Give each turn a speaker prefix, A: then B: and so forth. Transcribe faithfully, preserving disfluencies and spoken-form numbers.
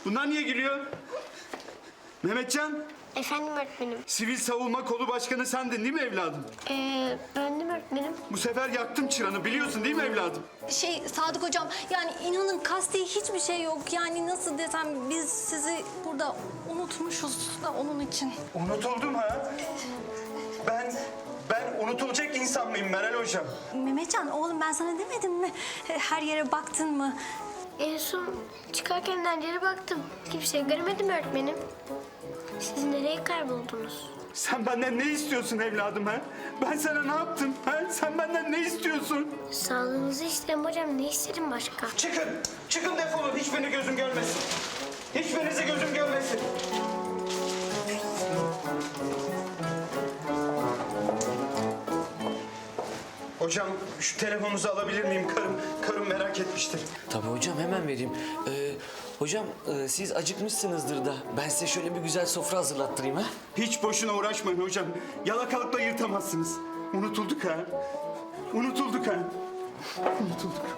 A: Bunlar niye gülüyor? Mehmetcan,
B: Efendim öğretmenim.
A: Sivil Savunma Kolu Başkanı sendin değil mi evladım?
B: Ee, bendim öğretmenim.
A: Bu sefer yaktım çıranı, biliyorsun değil mi evladım?
C: Şey Sadık hocam, yani inanın kasti hiçbir şey yok. Yani nasıl desem, biz sizi burada unutmuşuz da onun için.
A: Unutuldum ha? Ben, ben unutulacak insan mıyım Meral Hocam?
C: Mehmetcan oğlum, ben sana demedim mi? Her yere baktın mı?
B: En son çıkarken her baktım. Kimseyi göremedim öğretmenim. Siz nereye kayboldunuz?
A: Sen benden ne istiyorsun evladım ha? Ben sana ne yaptım ha? Sen benden ne istiyorsun?
B: Sağlığınızı isterim hocam. Ne isterim başka?
A: Çıkın, çıkın defolun. Hiçbirini gözüm görmesin. Hiçbirinizi gözüm görmesin. Hocam şu telefonunuzu alabilir miyim? Karım, karım merak etmiştir.
D: Tabii hocam, hemen vereyim. Ee, hocam e, siz acıkmışsınızdır da ben size şöyle bir güzel sofra hazırlattırayım ha.
A: Hiç boşuna uğraşmayın hocam. Yalakalıkla yırtamazsınız. Unutulduk ha. Unutulduk ha. Unutulduk.